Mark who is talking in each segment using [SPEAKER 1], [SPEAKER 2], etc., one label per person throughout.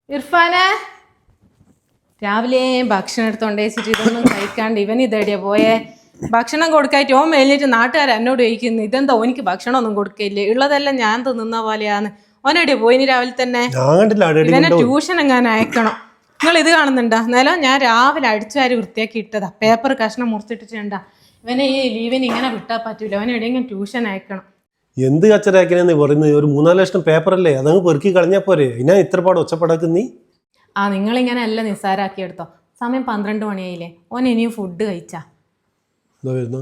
[SPEAKER 1] ഇർഫാനെ രാവിലെ ഭക്ഷണം എടുത്തോണ്ട് വെച്ചിട്ട് ഇതൊന്നും കഴിക്കാണ്ട് ഇവൻ ഇതെടിയാ പോയേ. ഭക്ഷണം കൊടുക്കായിട്ട് ഓൻ മേലിട്ട് നാട്ടുകാർ എന്നോട് ചോദിക്കുന്നു ഇതെന്താ ഓനിക്ക് ഭക്ഷണം ഒന്നും കൊടുക്കില്ലേ, ഉള്ളതെല്ലാം ഞാൻ തിന്നുന്ന പോലെയാന്ന്. ഓനെടിയാ പോയിന് രാവിലെ തന്നെ. ഇവനെ ട്യൂഷൻ എങ്ങാനും അയക്കണം. നിങ്ങൾ ഇത് കാണുന്നുണ്ടാ നിലം ഞാൻ രാവിലെ അടിച്ചുവാരി വൃത്തിയാക്കി ഇട്ടതാ, പേപ്പർ കഷ്ണം മുറിച്ചിട്ടിട്ടുണ്ടാ. ഇവനെ ഈ ലീവിന് ഇങ്ങനെ വിട്ടാൽ പറ്റൂല, അവനെ എവിടെയെങ്കിലും ട്യൂഷൻ അയക്കണം.
[SPEAKER 2] എന്ത് കച്ചറാക്കിനെന്ന് പറയുന്നത്? ഒരു 3-4 ലക്ഷം പേപ്പറല്ലേ, അതങ്ങ് പെറുക്കി കളഞ്ഞാ പോരെ. ഇതിനാ ഇത്ര പാട് ഒച്ചപ്പടാക്കുന്നീ?
[SPEAKER 1] ആ നിങ്ങളിങ്ങനെ എല്ലാം നിസ്സാരാക്കി എടുത്തോ. സമയം 12 മണിയായില്ലേ, ഓൻ ഇനിയും ഫുഡ് കഴിച്ചാ.
[SPEAKER 2] എന്താ വരുന്നു?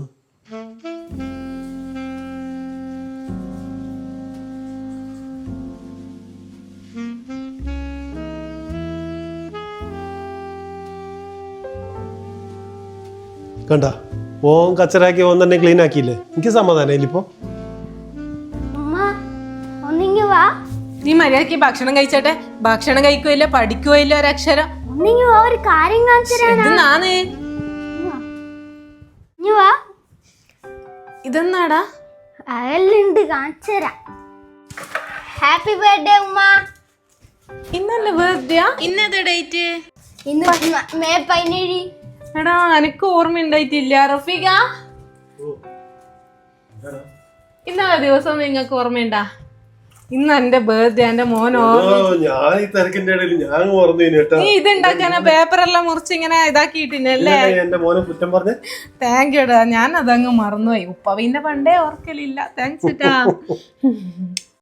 [SPEAKER 2] കണ്ട ഓൻ കച്ചറാക്കി ഓൻ തന്നെ ക്ലീൻ ആക്കിയില്ലേ, എനിക്ക് സമാധാനം ഇപ്പൊ.
[SPEAKER 1] നീ മര്യാദക്ക് ഭക്ഷണം കഴിച്ചട്ടെ. ഭക്ഷണം കഴിക്കുകയില്ല, പഠിക്കുകയില്ല, ഒരക്ഷരം. ഇതെന്നാടാ?
[SPEAKER 3] ഹാപ്പി ബർത്ത്ഡേ ഉമ്മ.
[SPEAKER 1] ഇന്നല്ലേ ബർത്ത്ഡേ? ഇന്നേതാ ഡേറ്റ്?
[SPEAKER 3] ഇന്ന് മെയ് 17.
[SPEAKER 1] എടാ എനിക്ക് ഓർമ്മയുണ്ടായിട്ടില്ല. റഫീഖ ഇന്നലെ ദിവസം നിങ്ങൾക്ക് ഓർമ്മയുണ്ടാ? ഇന്ന് എന്റെ ബർത്ത്ഡേ. എന്റെ മോനോ നീ ഇതുണ്ടാക്കാനാ പേപ്പറെല്ലാം മുറിച്ച് ഇങ്ങനെ ഇതാക്കിയിട്ടില്ലേ? താങ്ക് യുടാ, ഞാൻ അതങ്ങ് മറന്നുപോയി. ഉപ്പ പിന്നെ പണ്ടേ ഓർക്കലില്ല. താങ്ക്സ് ട്ടാ.